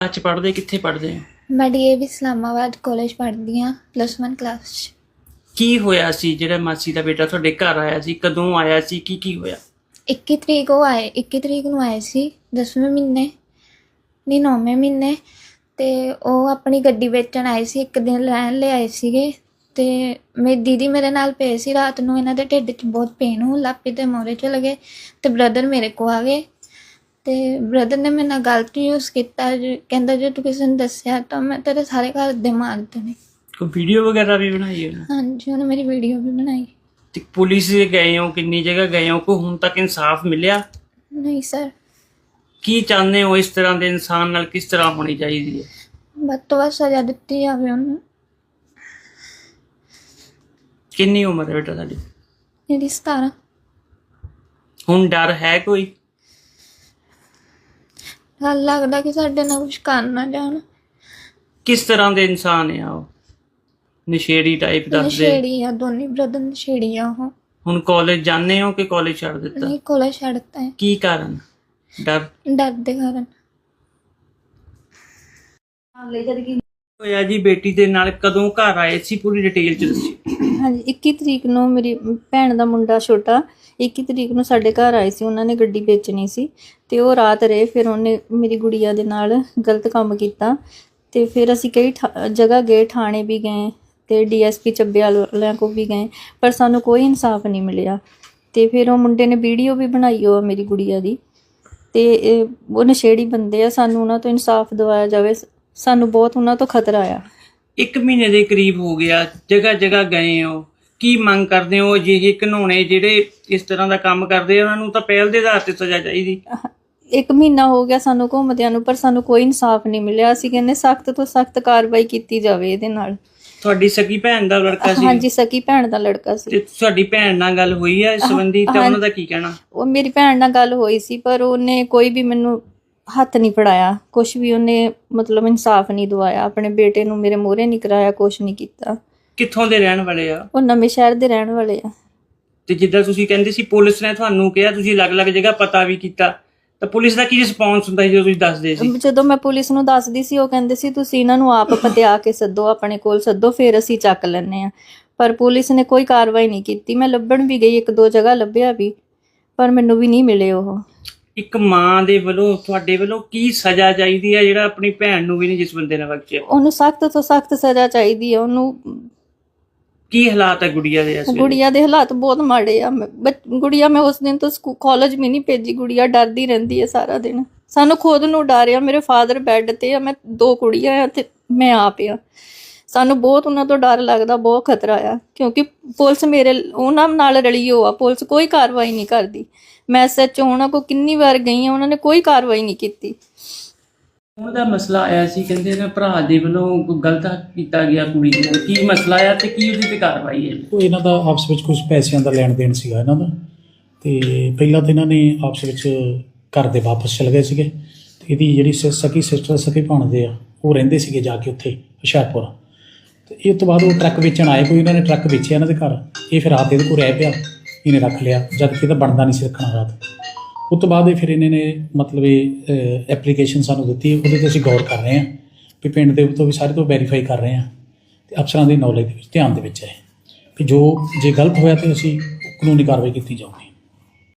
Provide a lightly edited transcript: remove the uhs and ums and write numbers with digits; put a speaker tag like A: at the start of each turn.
A: ਅੱਜ ਪੜ੍ਹਦੇ ਕਿੱਥੇ ਪੜ੍ਹਦੇ ਹੋ?
B: मैं DAV इस्लामाबाद कॉलेज पढ़ती हाँ +1 क्लास।
A: ਕੀ ਹੋਇਆ ਸੀ ਜਿਹੜਾ ਮਾਸੀ ਦਾ ਬੇਟਾ ਤੁਹਾਡੇ ਘਰ ਆਇਆ ਸੀ? ਕਦੋਂ ਆਇਆ ਸੀ? ਕੀ ਹੋਇਆ?
B: 21 ਤਰੀਕ ਉਹ ਆਏ 21 ਤਰੀਕ ਨੂੰ ਆਏ ਸੀ 10ਵੇਂ ਮਹੀਨੇ ਨਹੀਂ 9ਵੇਂ ਮਹੀਨੇ। ਤੇ ਉਹ ਆਪਣੀ ਗੱਡੀ ਵੇਚਣ ਆਏ ਸੀ, ਇੱਕ ਦਿਨ ਰਹਿਣ ਲਈ ਆਏ ਸੀਗੇ। ਤੇ ਮੇਰੀ ਦੀਦੀ ਮੇਰੇ ਨਾਲ ਪਏ ਸੀ। ਰਾਤ ਨੂੰ ਇਹਨਾਂ ਦੇ ਢਿੱਡ 'ਚ ਬਹੁਤ ਪੇਨ ਹੋਣ ਲੱਗ ਪਈ ਤੇ ਮੋਰੇ ਚਲੇ ਗਏ ਤੇ ਬ੍ਰਦਰ ਮੇਰੇ ਕੋਲ ਆ ਗਏ। ਤੇ ਬ੍ਰਦਰ ਨੇ ਮੇਰੇ ਨਾਲ ਗਲਤ ਯੂਜ਼ ਕੀਤਾ, ਕਹਿੰਦਾ ਜੇ ਤੂੰ ਕਿਸੇ ਨੂੰ ਦੱਸਿਆ ਤਾਂ ਮੈਂ ਤੇਰੇ ਸਾਰੇ ਘਰ ਦੇ ਮਾਰ ਦੇਣੇ।
A: ਕੋਈ ਵੀਡੀਓ ਵਗੈਰਾ ਵੀ ਬਣਾਈ ਹੈ?
B: ਹਾਂਜੀ, ਉਹਨੇ ਮੇਰੀ ਵੀਡੀਓ ਵੀ ਬਣਾਈ।
A: ਤੇ ਪੁਲਿਸ ਦੇ ਗਏ ਹੋ, ਕਿੰਨੀ ਜਗ੍ਹਾ ਗਏ ਹੋ, ਕੋਈ ਹੁਣ ਤੱਕ ਇਨਸਾਫ ਮਿਲਿਆ?
B: ਨਹੀਂ ਸਰ।
A: ਕੀ ਚਾਹੁੰਦੇ ਹੋ? ਇਸ ਤਰ੍ਹਾਂ ਦੇ ਇਨਸਾਨ ਨਾਲ ਕਿਸ ਤਰ੍ਹਾਂ ਹੋਣੀ ਚਾਹੀਦੀ ਹੈ?
B: ਵੱਧ ਤੋਂ ਵੱਧ ਸਜ਼ਾ ਦਿੱਤੀ ਜਾਵੇ ਉਹਨੂੰ।
A: ਕਿੰਨੀ ਉਮਰ ਹੈ ਬੇਟਾ ਤੁਹਾਡੀ?
B: ਮੇਰੀ 17।
A: ਹੁਣ ਡਰ ਹੈ ਕੋਈ?
B: ਗੱਲ ਲੱਗਦਾ ਕਿ ਸਾਡੇ ਨਾਲ ਕੁਝ ਕਰ ਨਾ ਜਾਣ।
A: ਕਿਸ ਤਰ੍ਹਾਂ ਦੇ ਇਨਸਾਨ ਆ ਉਹ? ਨਸ਼ੇੜੀ ਟਾਈਪ ਦੱਸਦੇ?
B: ਨਸ਼ੇੜੀ ਆ, ਦੋਨੇ ਬ੍ਰਦਰ ਨਸ਼ੇੜੀ ਆ ਉਹ।
A: ਹੁਣ ਕਾਲਜ ਜਾਂਦੇ ਹੋ ਕਿ ਕਾਲਜ ਛੱਡ ਦਿੱਤਾ?
B: ਨਹੀਂ, ਕੋਲੇ ਛੱਡਤਾ ਹੈ।
A: ਕੀ ਕਾਰਨ? ਡਰ
B: ਦੇ ਕਾਰਨ।
A: ਹੋਇਆ ਜੀ ਬੇਟੀ ਦੇ ਨਾਲ? ਕਦੋਂ ਘਰ ਆਏ ਸੀ? ਪੂਰੀ ਡਿਟੇਲ ਚ ਦੱਸਿਓ।
C: ਹਾਂਜੀ, 21 ਤਰੀਕ ਨੂੰ ਮੇਰੀ ਭੈਣ ਦਾ ਮੁੰਡਾ ਛੋਟਾ 21 ਤਰੀਕ ਨੂੰ ਸਾਡੇ ਘਰ ਆਏ ਸੀ। ਉਹਨਾਂ ਨੇ ਗੱਡੀ ਵੇਚਣੀ ਸੀ ਤੇ ਉਹ ਰਾਤ ਰਹੇ। ਫਿਰ ਉਹਨੇ ਮੇਰੀ ਗੁੜੀਆ ਦੇ ਨਾਲ ਗਲਤ ਕੰਮ ਕੀਤਾ ਤੇ ਫਿਰ ਅਸੀਂ ਕਈ ਜਗ੍ਹਾ ਗਏ, ਥਾਣੇ ਵੀ ਗਏ ਤੇ DSP ਚੱਬੇ ਵਾਲਿਆਂ ਕੋਲ ਵੀ ਗਏ, ਪਰ ਸਾਨੂੰ ਕੋਈ ਇਨਸਾਫ ਨਹੀਂ ਮਿਲਿਆ। ਤੇ ਫਿਰ ਉਹ ਮੁੰਡੇ ਨੇ ਵੀਡੀਓ ਵੀ ਬਣਾਈ ਉਹ ਮੇਰੀ ਗੁੜੀਆ ਦੀ। ਤੇ ਉਹ ਨਸ਼ੇੜੀ ਬੰਦੇ ਆ, ਸਾਨੂੰ ਉਹਨਾਂ ਤੋਂ ਇਨਸਾਫ ਦਿਵਾਇਆ ਜਾਵੇ। ਸਾਨੂੰ ਬਹੁਤ ਉਹਨਾਂ ਤੋਂ ਖਤਰਾ ਆ।
A: 1 ਮਹੀਨੇ ਦੇ ਕਰੀਬ ਹੋ ਗਿਆ, ਜਗ੍ਹਾ ਗਏ ਹੋ, ਕੀ ਮੰਗ ਕਰਦੇ ਹੋ? ਜਿਹੇ ਘਿਨੌਣੇ ਜਿਹੜੇ ਇਸ ਤਰ੍ਹਾਂ ਦਾ ਕੰਮ ਕਰਦੇ ਆ ਉਹਨਾਂ ਨੂੰ ਤਾਂ ਪਹਿਲ ਦੇ ਆਧਾਰ ਤੇ ਸਜ਼ਾ ਚਾਹੀਦੀ।
C: 1 ਮਹੀਨਾ ਹੋ ਗਿਆ ਸਾਨੂੰ ਘੁੰਮਦਿਆਂ ਨੂੰ, ਪਰ ਸਾਨੂੰ ਕੋਈ ਇਨਸਾਫ ਨਹੀਂ ਮਿਲਿਆ। ਅਸੀਂ ਕਹਿੰਦੇ ਸਖਤ ਤੋਂ ਸਖਤ ਕਾਰਵਾਈ ਕੀਤੀ ਜਾਵੇ ਇਹਦੇ ਨਾਲ।
A: ਤੁਹਾਡੀ ਸਕੀ ਭੈਣ ਦਾ ਲੜਕਾ ਸੀ?
C: ਹਾਂਜੀ, ਸਕੀ ਭੈਣ ਦਾ ਲੜਕਾ ਸੀ।
A: ਤੇ ਤੁਹਾਡੀ ਭੈਣ ਨਾਲ ਗੱਲ ਹੋਈ ਹੈ ਇਸ ਸੰਬੰਧੀ ਤਾਂ ਉਹਨਾਂ ਦਾ ਕੀ ਕਹਿਣਾ?
C: ਉਹ ਮੇਰੀ ਭੈਣ ਨਾਲ ਗੱਲ ਹੋਈ ਸੀ, ਪਰ ਉਹਨੇ ਕੋਈ ਵੀ ਮੈਨੂੰ ਹੱਥ ਨਹੀਂ ਫੜਾਇਆ, ਕੁਛ ਵੀ ਉਹਨੇ ਮਤਲਬ ਇਨਸਾਫ ਨਹੀਂ ਦਵਾਇਆ। ਆਪਣੇ ਬੇਟੇ ਨੂੰ ਮੇਰੇ ਮੂਹਰੇ ਨਹੀਂ ਕਰਾਇਆ, ਕੁਛ ਨਹੀਂ ਕੀਤਾ।
A: ਕਿੱਥੋਂ ਦੇ ਰਹਿਣ ਵਾਲੇ ਆ?
C: ਉਹ ਨਵੇਂ ਸ਼ਹਿਰ ਦੇ ਰਹਿਣ ਵਾਲੇ ਆ।
A: ਤੇ ਜਿੱਦਾਂ ਤੁਸੀਂ ਕਹਿੰਦੇ ਸੀ ਪੁਲਿਸ ਨੇ ਤੁਹਾਨੂੰ ਕਿਹਾ, ਤੁਸੀਂ ਅਲੱਗ-ਅਲੱਗ ਜਗ੍ਹਾ ਪਤਾ ਵੀ ਕੀਤਾ, ਤਾਂ ਪੁਲਿਸ ਦਾ ਕੀ ਰਿਸਪੌਂਸ ਹੁੰਦਾ ਸੀ ਜਦੋਂ ਤੁਸੀਂ ਦੱਸਦੇ ਸੀ?
C: ਜਦੋਂ ਮੈਂ ਪੁਲਿਸ ਨੂੰ ਦੱਸਦੀ ਸੀ, ਉਹ ਕਹਿੰਦੇ ਸੀ ਤੁਸੀਂ ਇਹਨਾਂ ਨੂੰ ਆਪ ਪਤਿਆ ਕੇ ਸੱਦੋ, ਆਪਣੇ ਕੋਲ ਸੱਦੋ, ਫਿਰ ਅਸੀਂ ਚੱਕ ਲੈਂਦੇ ਆ। ਪਰ ਪੁਲਿਸ ਨੇ ਕੋਈ ਕਾਰਵਾਈ ਨਹੀਂ ਕੀਤੀ। ਮੈਂ ਲੱਭਣ ਵੀ ਗਈ, 1-2 ਜਗ੍ਹਾ ਲੱਭਿਆ ਵੀ, ਪਰ ਮੈਨੂੰ ਵੀ ਨਹੀਂ ਮਿਲੇ ਉਹ।
A: ਇੱਕ ਮਾਂ ਦੇ ਵੱਲੋਂ ਤੁਹਾਡੇ ਵੱਲੋਂ ਕੀ ਸਜ਼ਾ ਚਾਹੀਦੀ ਹੈ ਜਿਹੜਾ ਆਪਣੀ ਭੈਣ ਨੂੰ ਵੀ ਨਹੀਂ ਜਿਸ ਬੰਦੇ ਨੇ ਬਖਸ਼ਿਆ?
C: ਉਹਨੂੰ ਸਖਤ ਤੋਂ ਸਖਤ ਸਜ਼ਾ ਚਾਹੀਦੀ ਹੈ। ਉਹਨੂੰ
A: ਕੀ ਹਾਲਾਤ ਹੈ ਗੁੜੀਆ ਦੇ?
C: ਗੁੜੀਆ ਦੇ ਹਾਲਾਤ ਬਹੁਤ ਮਾੜੇ ਆ। ਗੁੜੀਆ ਮੈਂ ਉਸ ਦਿਨ ਤੋਂ ਕਾਲਜ ਵੀ ਨਹੀਂ ਭੇਜੀ। ਗੁੜੀਆ ਡਰਦੀ ਰਹਿੰਦੀ ਹੈ ਸਾਰਾ ਦਿਨ। ਸਾਨੂੰ ਖੁਦ ਨੂੰ ਡਰ ਆ। ਮੇਰੇ ਫਾਦਰ ਬੈੱਡ ਤੇ ਆ, ਮੈਂ 2 ਕੁੜੀਆਂ ਆ ਤੇ ਮੈਂ ਆਪ ਆ। ਸਾਨੂੰ ਬਹੁਤ ਉਹਨਾਂ ਤੋਂ ਡਰ ਲੱਗਦਾ, ਬਹੁਤ ਖਤਰਾ ਆ, ਕਿਉਂਕਿ ਪੁਲਿਸ ਉਹਨਾਂ ਨਾਲ ਰਲੀ ਹੋ ਆ। ਪੁਲਿਸ ਕੋਈ ਕਾਰਵਾਈ ਨਹੀਂ ਕਰਦੀ। ਮੈਂ SHO ਉਹਨਾਂ ਕੋਲ ਕਿੰਨੀ ਵਾਰ ਗਈ ਆ, ਉਹਨਾਂ ਨੇ ਕੋਈ ਕਾਰਵਾਈ ਨਹੀਂ ਕੀਤੀ।
A: ਉਹਦਾ ਮਸਲਾ ਆਇਆ ਸੀ, ਕਹਿੰਦੇ ਨੇ ਭਰਾ ਦੇ ਵੱਲੋਂ ਕੋਈ ਗਲਤ ਕੀਤਾ ਗਿਆ ਕੁੜੀ ਨਾਲ। ਕੀ ਮਸਲਾ ਆ ਤੇ ਕੀ ਉਹਦੀ ਤੇ ਕਾਰਵਾਈ ਹੈ?
D: ਉਹ ਇਹਨਾਂ ਦਾ ਆਪਸ ਵਿੱਚ ਕੁਝ ਪੈਸਿਆਂ ਦਾ ਲੈਣ ਦੇਣ ਸੀਗਾ ਇਹਨਾਂ ਦਾ। ਤੇ ਪਹਿਲਾਂ ਤਾਂ ਇਹਨਾਂ ਨੇ ਆਪਸ ਵਿੱਚ ਘਰ ਦੇ ਵਾਪਸ ਚਲੇ ਗਏ ਸੀਗੇ। ਤੇ ਇਹਦੀ ਜਿਹੜੀ ਸਕੀ ਸਿਸਟਰ ਸਕੀ ਭਾਣਦੇ ਆ, ਉਹ ਰਹਿੰਦੇ ਸੀਗੇ ਜਾ ਕੇ ਉੱਥੇ ਹੁਸ਼ਿਆਰਪੁਰ। ਤੇ ਇਹ ਤੋਂ ਬਾਅਦ ਉਹ ਟਰੱਕ ਵੇਚਣ ਆਏ, ਕੋਈ ਇਹਨਾਂ ਨੇ ਟਰੱਕ ਵੇਚਿਆ ਇਹਨਾਂ ਦੇ ਘਰ। ਇਹ ਫਿਰ ਰਾਤ ਇਹਦੇ ਕੋਲ ਰਹਿ ਪਿਆ, ਇਹਨੇ ਰੱਖ ਲਿਆ, ਜਦ ਕਿ ਇਹਦਾ ਬਣਦਾ ਨਹੀਂ ਸੀ ਰੱਖਣਾ ਰਾਤ। ਉਸ ਤੋਂ ਬਾਅਦ ਫਿਰ ਇਹਨਾਂ ਨੇ ਮਤਲਬ ਇਹ ਐਪਲੀਕੇਸ਼ਨ ਸਾਨੂੰ ਦਿੱਤੀ। ਉਹਦੇ 'ਤੇ ਅਸੀਂ ਗੌਰ ਕਰ ਰਹੇ ਹਾਂ ਵੀ ਪਿੰਡ ਦੇ ਤੋਂ ਵੀ ਸਾਰੇ ਤੋਂ ਵੈਰੀਫਾਈ ਕਰ ਰਹੇ ਹਾਂ ਅਤੇ ਅਫਸਰਾਂ ਦੀ ਨੌਲੇਜ ਦੇ ਵਿੱਚ ਧਿਆਨ ਦੇ ਵਿੱਚ ਹੈ ਵੀ ਜੇ ਗਲਤ ਹੋਇਆ ਤਾਂ ਅਸੀਂ ਕਾਨੂੰਨੀ ਕਾਰਵਾਈ ਕੀਤੀ ਜਾਊਗੀ।